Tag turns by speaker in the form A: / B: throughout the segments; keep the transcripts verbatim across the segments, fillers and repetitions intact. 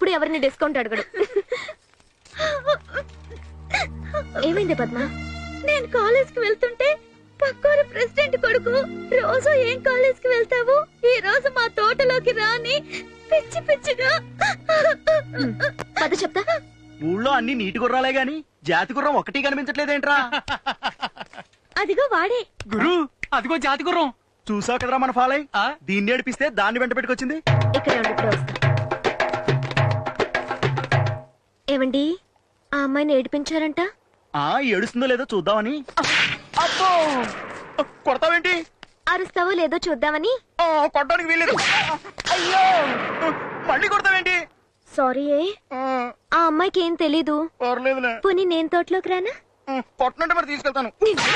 A: ఎప్పుడు ఎవరిని డిస్కౌంట్ అడగడు. ఏమైంది పద్మ?
B: నేను కాలేజ్ కి వెళ్తుంటే పక్కూరు ప్రెసిడెంట్ కొడుకు రోజు ఏం కాలేజ్ కి వెళ్తావు, ఈ రోజు మా తోటలోకి రాని పిచ్చి పిచ్చిగా.
A: పద చెప్తా.
C: ఊళ్ళో అన్ని నీటి గుర్రాలే గాని జాతి గుర్రం ఒకటి కనిపించట్లేదేంట్రా?
B: అదిగో వాడే.
D: గురు అదిగో జాతి గుర్రం.
C: చూసావు కదరా మన ఫాలై. దీన్ని ఏడిపిస్తే దాన్ని వెంట పెట్టుకొచ్చింది.
A: ఇక్కడే ఉండి ఇప్పుడే వస్తా. ఏమండి, ఆ అమ్మాయిని ఏడిపించారంట?
C: ఆ ఏడుస్తుందో లేదో చూద్దామని. అబ్బో కొడతావేంటి?
A: అరుస్తావో లేదో చూద్దామని.
C: కొట్టడానికి వీల్లేదు. అయ్యో మళ్ళీ కొడతావేంటి?
A: సారీ. ఆ అమ్మాయికి ఏం తెలీదు. పోనీ నేను తోటలోకి రానా?
C: కొట్టనంటే మరి తీసుకెళ్తాను.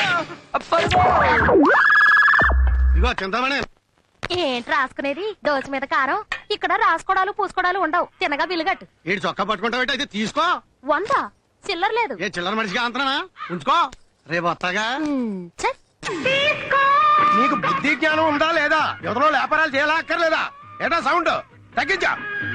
B: ఏంటి రాసుకునేది? దోశ మీద కారం. ఇక్కడ రాసుకోడాలు పూసుకోడాలు ఉండవు. తినగా బిల్లుగట్టు.
E: ఏంటి చొక్కా పట్టుకుంటావు? అయితే తీసుకో.
B: వంద చిల్లర లేదు.
E: ఏ చిల్లర మనిషిగా అంతనా? ఉంచుకో, రేపు వస్తాగా. నీకు బుద్ధి జ్ఞానం ఉందా లేదా? ఎవరో వ్యాపారాలు చేయాలా అక్కర్లేదా? ఏటా సౌండ్ తగ్గించా.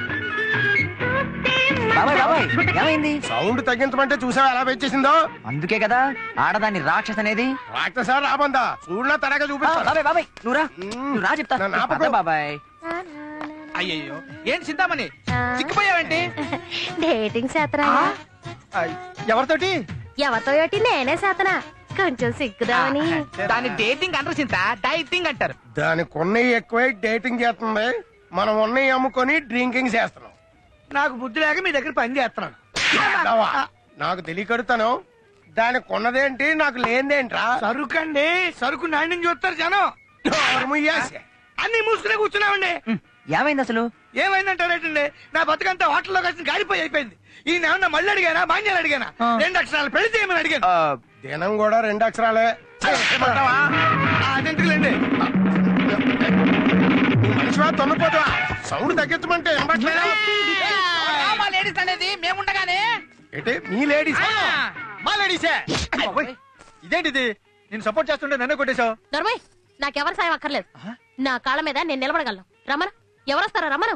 F: ఏమైంది?
E: సౌండ్ తగ్గించమంటే చూసావా ఎలా పెంచేసిందో?
F: అందుకే కదా ఆడదాన్ని రాక్షస్ అనేది.
E: రాక్షసా రాబందా? చూడలా తరగా చూపిస్తా.
F: బాబాయ్ బాబాయ్ నువ్వు రా, నువ్వు రా చెప్తా. బాబాయ్
D: అయ్యయ్యో ఏంటి చింతామణి సిగ్గిపోయావేంటి?
B: డేటింగ్ శాతరా?
E: ఎవరితోటి?
B: ఎవరితో ఏటి? నేనే శాతనా. కొంచెం సిగ్గుదామని.
D: దాన్ని డేటింగ్ అంటారు చింత, డైటింగ్ అంటారు.
E: దానికి ఉన్నవి ఎక్కువై డేటింగ్ చేస్తుంది, మనం ఉన్నవి అమ్ముకొని డ్రింకింగ్ చేస్తున్నాం.
D: నాకు బుద్ధి లేక మీ దగ్గర పని చేస్తున్నాను.
E: నాకు తెలియకడుతాను. దానికి ఉన్నదేంటి నాకు లేనిదేంట్రా?
D: సరుకండి, సరుకు నాణ్యం చూస్తారు జనం. అన్ని మూసుకునే కూర్చున్నామండి.
F: ఏమైంది అసలు?
D: ఏమైందంటారేటండి? నా బతుకంతా హోటల్లో కలిసి గాలిపోయి అయిపోయింది. ఈయన ఏమన్నా మళ్ళీ అడిగానా, మాన్యాలు అడిగానా? రెండు అక్షరాలు పెళ్లి చేయమని అడిగాను.
E: దినం కూడా రెండు అక్షరాలే.
D: అదెందుకులేండి,
E: మనిషివా తొమ్మిపోతావా? సౌండ్ తగ్గించమంటే
D: మా లేడీస్ అనేది మేముండగానే.
E: ఏంటి మీ లేడీస్?
D: మా లేడీసే. ఇదేంటిది? నేను సపోర్ట్ చేస్తుంటే నన్నే కొట్టేశావు.
B: నర్మయ్, నాకెవరి సాయం అక్కర్లేదు. నా కాళ్ళ మీద నేను నిలబడగలను. రమణ, ఎవరొస్తారా? రమణ.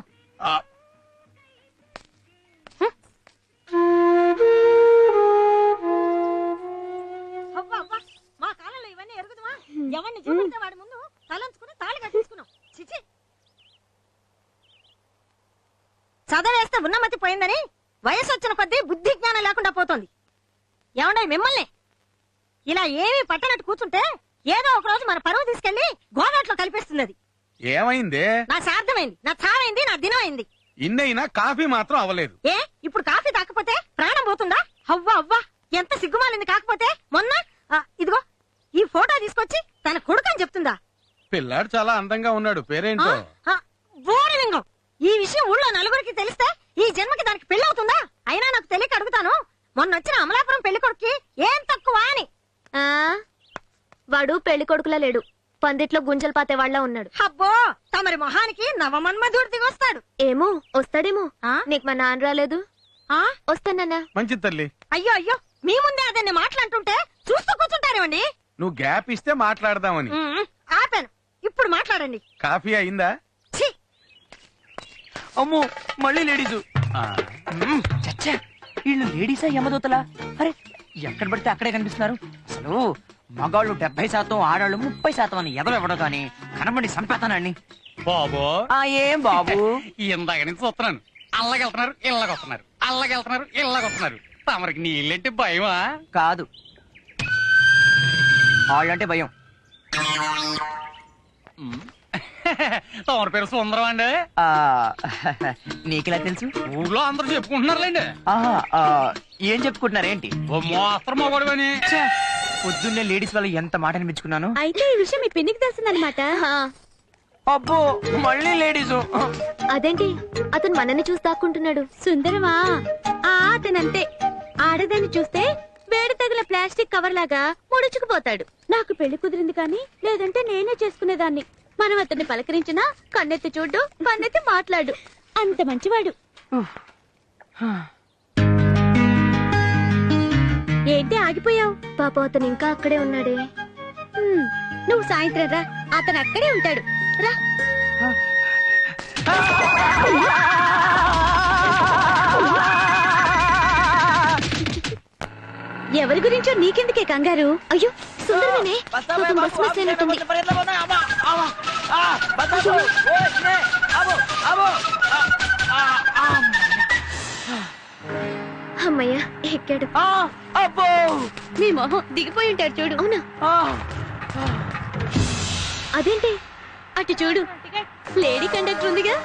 B: మా కాలంలో ఇవన్నీ ఎరుగుదమా? ఎవరిని చూపిస్తే వాడి ముందు తలంచుకుని తాళి కట్టించుకున్నాం. చిచి, చదవేస్తే ఉన్నమతి పోయిందని వయసు వచ్చిన కొద్దీ బుద్ధి జ్ఞానం లేకుండా పోతోంది. ఏమండే మిమ్మల్ని ఇలా ఏమీ పట్టనట్టు కూర్చుంటే ఏదో ఒక రోజు మన పరువు తీసుకెళ్లి గోదాట్లో కలిపేస్తుంది. అది
D: ఏమైంది?
B: నా సార్థమైంది, నా చావైంది, నా దినం అయింది.
D: ఇన్నైనా కాఫీ మాత్రం అవ్వలేదు.
B: ఏ ఇప్పుడు కాఫీ తాకపోతే ప్రాణం పోతుందా? అవ్వా అవ్వా, ఎంత సిగ్గుమాలింది. కాకపోతే మొన్న ఇదిగో ఈ ఫోటో తీసుకొచ్చి తన కొడుకని చెప్తుందా?
D: పిల్లాడు చాలా అందంగా ఉన్నాడు, పేరేంటో?
B: బోరలింగం. ఈ విషయం ఊళ్ళో నలుగురికి తెలిస్తే ఈ జన్మకి దానికి పెళ్లి అవుతుందా? అయినా నాకు తెలియక అడుగుతాను, మొన్న వచ్చిన అమలాపురం పెళ్లి కొడుకు ఏం తక్కువ అని.
A: వాడు పెళ్లి కొడుకులా లేడు, పందిట్లో గుంజలు పాతే వాళ్ళ ఉన్నాడు.
B: అబ్బో, తమరి మొహానికి నవమన్మధుడు దిగొస్తాడు.
A: ఏమో వస్తాడేమో. నీకు మా నాన్న రాలేదు? వస్తానన్నా.
D: మంచి తల్లి.
B: అయ్యో అయ్యో, మీ ముందే అదన్ని మాట్లాడుతుంటే చూస్తూ కూర్చుంటారేమండి.
D: నువ్వు గ్యాప్ ఇస్తే మాట్లాడదామని.
B: ఆపాను, ఇప్పుడు మాట్లాడండి.
D: కాఫీ అయిందా?
F: అమ్మో మళ్ళీ లేడీసు. చచ్చా, వీళ్ళు లేడీసా యమదూతలా? అరే ఎక్కడ పడితే అక్కడే కనిపిస్తున్నారు. అసలు మగాళ్ళు డెబ్బై శాతం ఆడాళ్ళు ముప్పై శాతం అని ఎదలు ఇవ్వడం కానీ కనబడి సంపేతానండి.
D: బాబు
F: ఏం బాబు?
D: ఇందాక నుంచి చూస్తున్నాను. అల్లగెళ్తున్నారు, ఇళ్ళగొస్తున్నారు, అల్లగెళ్తున్నారు, ఇళ్ళగొస్తున్నారు. తమరికి నీళ్ళంటే భయమా?
F: కాదు, వాళ్ళంటే భయం.
D: తమరి పేరు సుందరం అండి.
F: నీకెలా తెలుసు?
D: ఊళ్ళో అందరూ చెప్పుకుంటున్నారులేండి.
F: ఏం చెప్పుకుంటున్నారేంటి?
D: ఓ మోస్త్రం మొగడువని.
F: పొద్దున్నే లేడీస్ వాళ్ళు ఎంత మాట అనిపించుకున్నాను.
B: అయితే ఈ విషయం మీ పిన్నికి తెలుస్తుందన్నమాట.
F: అబ్బో మళ్ళీ లేడీసు.
A: అదేంటి అతను మనని చూసి దాక్కుంటున్నాడు?
B: సుందరమా, ఆ అతనంతే. ఆడదాన్ని చూస్తే వేడి తగిన ప్లాస్టిక్ కవర్ లాగా ముడుచుకుపోతాడు. నాకు పెళ్లి కుదిరింది కానీ లేదంటే నేనే చేసుకునేదాన్ని. మనం అతన్ని పలకరించినా కన్నెత్తి చూడు, కన్నెత్తి మాట్లాడు. అంత మంచివాడు. ఏంటి ఆగిపోయావు?
A: పాప అతను ఇంకా అక్కడే ఉన్నాడే.
B: నువ్వు సాయంత్రం రా, అతను అక్కడే ఉంటాడు. రా. ఎవరి గురించో నీకెందుకే కంగారు?
A: అయ్యో సుందరమేనే పాపం బస్ మిస్ అయినట్టుంది. అమ్మయ్య ఎక్కాడు.
B: మీ మొహం దిగిపోయి ఉంటారు చూడు.
A: అవునా? అదేంటి
B: అటు చూడు, లేడీ కండక్టర్ ఉందిగా.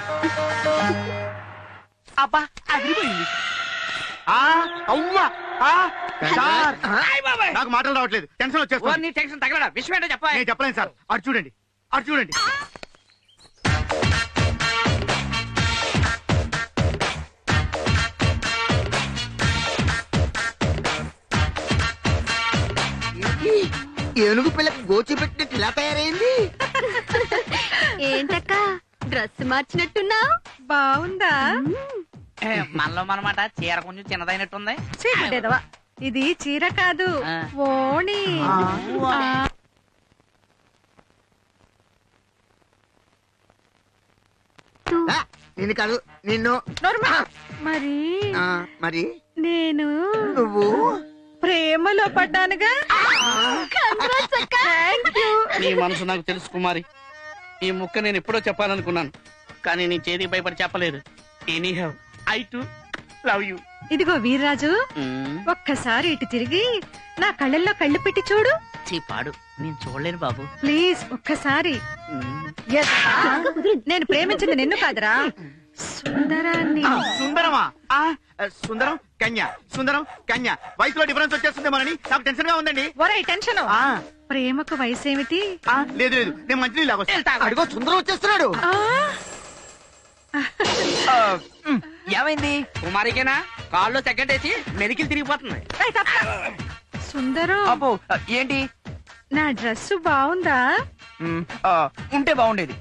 F: అబ్బా అదిరిపోయింది.
E: ఆ, అవ్వా, ఆ, సార్, నాకు మాటలు రావట్లేదు, టెన్షన్ వచ్చేస్తుంది.
F: నీ టెన్షన్ తగలడా, విషయం ఏంటో చెప్పా.
E: నేను చెప్పలేను సార్. అటు చూడండి, అటు చూడండి.
D: ఏనుగు పిల్లకి గోచి పెట్టినట్టు ఇలా తయారైంది.
B: ఏంటక్క డ్రెస్ మార్చినట్టున్నా? బాగుందా?
F: మనలో మనమాట చీర కొంచెం చిన్నదైనట్టుంది.
B: ఇది చీర కాదు, ఓణి.
D: నిన్ను కాదు, నిన్ను.
B: మరి
D: ఆ, మరి
B: నేను
D: నువ్వు
B: ప్రేమలో పడ్డానుగా.
G: నీ మనసు నాకు తెలుసు కుమారి. ఈ ముక్క నేను ఎప్పుడో చెప్పాలనుకున్నాను, కానీ నీ చేతికి భయపడి చెప్పలేదు. Any have I to love you.
B: ఇదిగో వీర్రాజు, ఒక్కసారి ఇటు తిరిగి నా కళ్ళల్లో కళ్ళు పెట్టి చూడు.
F: చీ పాడు, నేను చూడలేను బాబు.
B: ప్లీజ్ ఒక్కసారి. నేను ప్రేమించింది నిన్ను కాదురా, సుందరాన్ని.
E: సుందరమా? ఆ, సుందరం కన్య, సుందరం కన్య. వయసులో డిఫరెన్స్ వచ్చేస్తుందేమోనని నాకు టెన్షన్ గా ఉందండి.
B: ఒరే టెన్షన్,
E: ఆ,
B: ప్రేమకు వయసేమిటి?
E: ఆ, లేదు లేదు, నేను మంచి లాగొస్తా.
D: అడుగో సుందరం వచ్చేస్తున్నాడు.
F: ఏమైంది?
G: కుమారికేనా కాళ్ళు చెక్కటేసి మెలికిలు తిరిగిపోతుంది.
B: సుందరం,
F: అబ్బో ఏంటి?
B: నా డ్రెస్ బాగుందా?
F: మ్, ఆ, ఉంటే బాగుండేది.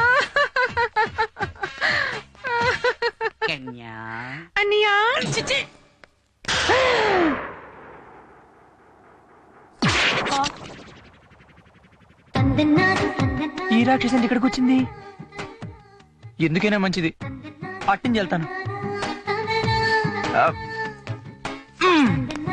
G: కన్యా
B: అన్నయ్యా,
F: ఈ రాక్షసి ఇక్కడికి వచ్చింది. ఎందుకైనా మంచిది, అట్టించి వెళ్తాను. ఆ, మ్.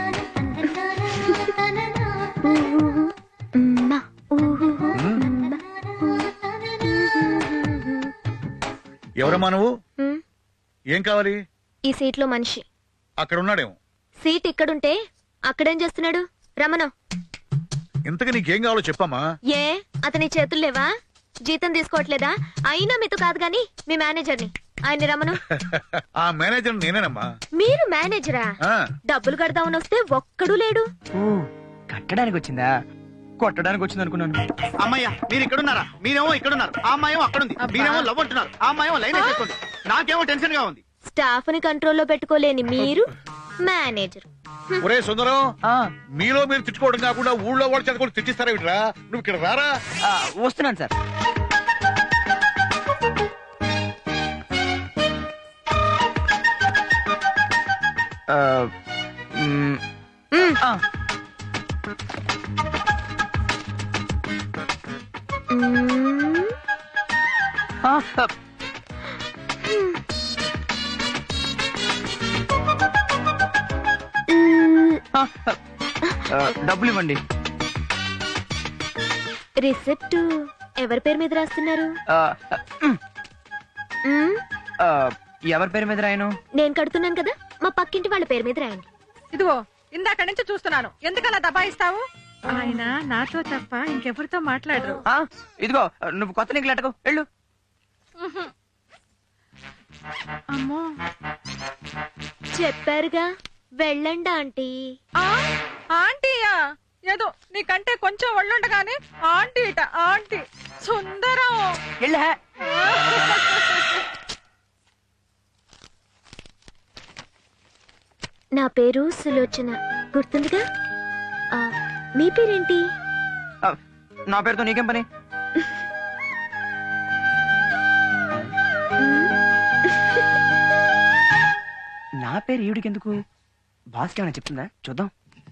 H: ఎవరమ్మా నువ్వు?
A: హ్మ్.
H: ఏం కావాలి?
A: ఈ సీట్ లో మనిషి.
H: అక్కడ ఉన్నాడేమో.
A: సీట్ ఇక్కడుంటే అక్కడేం చేస్తున్నాడు? రమణ.
H: ఇంతకు నీకేం కావాలో చెప్పమ్మా.
A: ఏ అతని చేతులు లేవా? జీతం తీసుకోవట్లేదా? అయినా మీతో కాదు గాని మీ మేనేజర్ని, ఆయన్ని రమను.
H: ఆ మేనేజర్ నేనేనమ్మా.
A: మీరు మేనేజరా?
H: ఆ,
A: డబ్బులు కడదామని వస్తే ఒక్కడూ లేడు.
F: ఓ, కట్టడానికి వచ్చిందా? కొట్టడానికి వచ్చింది అనుకున్నాను.
E: అమ్మయ్య, మీరు ఇక్కడున్నారా? మీరేమో ఇక్కడున్నారు, ఆ అమ్మాయేమో అక్కడుంది. మీరేమో లవ్ అంటున్నారు, ఆ అమ్మాయేమో లైన్ వేసేస్తుంది. నాకేమో టెన్షన్ గా ఉంది.
A: స్టాఫ్ ని కంట్రోల్లో పెట్టుకోలేని మీరు మేనేజర్.
H: ఒరే సుందరం,
F: ఆ,
H: మీలో మీరు తిట్టుకోవడం కాకుండా ఊళ్ళో వాళ్ళు చదువుకొని తిట్టిస్తారా వీటిరా? నువ్వు ఇక్కడ రారా.
F: ఆ, వస్తున్నాను సార్. ఆ, మ్,
A: మ్.
F: ఆ,
A: మ్మ్.
F: ఆ, ఆ,
A: మ్మ్.
F: ఆ, ఆ, డబ్బులు ఇవ్వండి.
A: రిసిప్ట్ ఎవరి పేరు మీద రాస్తున్నారు?
F: ఆ, మ్,
A: మ్మ్.
F: ఆ, ఎవరి పేరు మీద రాయను?
A: నేను కడుతున్నాను కదా, మా పక్కింటి వాళ్ళ పేరు మీద రాయండి.
B: ఇదిగో ఇందాక నుంచి చూస్తున్నాను, ఎందుకలా దబాయిస్తావు? ఆయన నాతో తప్ప ఇంకెవరితో మాట్లాడరు.
F: ఆ, ఇదిగో నువ్వు కొత్త నీకు లెటకు వెళ్ళు.
B: అమ్మో,
A: చెప్పారుగా వెళ్ళండి ఆంటీ.
B: ఆ, ఆంటీయా? ఏదో నీకంటే కొంచెం ఒళ్ళుండగానే ఆంటీ ఇట ఆంటీ. సుందరం,
F: వెళ్ళా.
A: నా పేరు సులోచన, గుర్తుందిగా? ఆ, మీ పేరేంటి?
F: ఆ, నా పేరుతో నీకేం పని? నా పేరు ఈవిడికి ఎందుకు? బాస్కి ఏమైనా చెప్తుందా? చూద్దాం.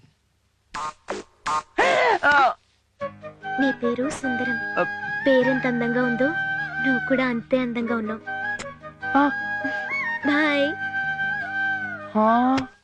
F: ఆ,
A: నీ పేరు సుందరం.
F: ఆ,
A: పేరెంత అందంగా ఉందో నువ్వు కూడా అంతే అందంగా ఉన్నావు.
F: ఆ,
A: బాయ్.
F: ఆ.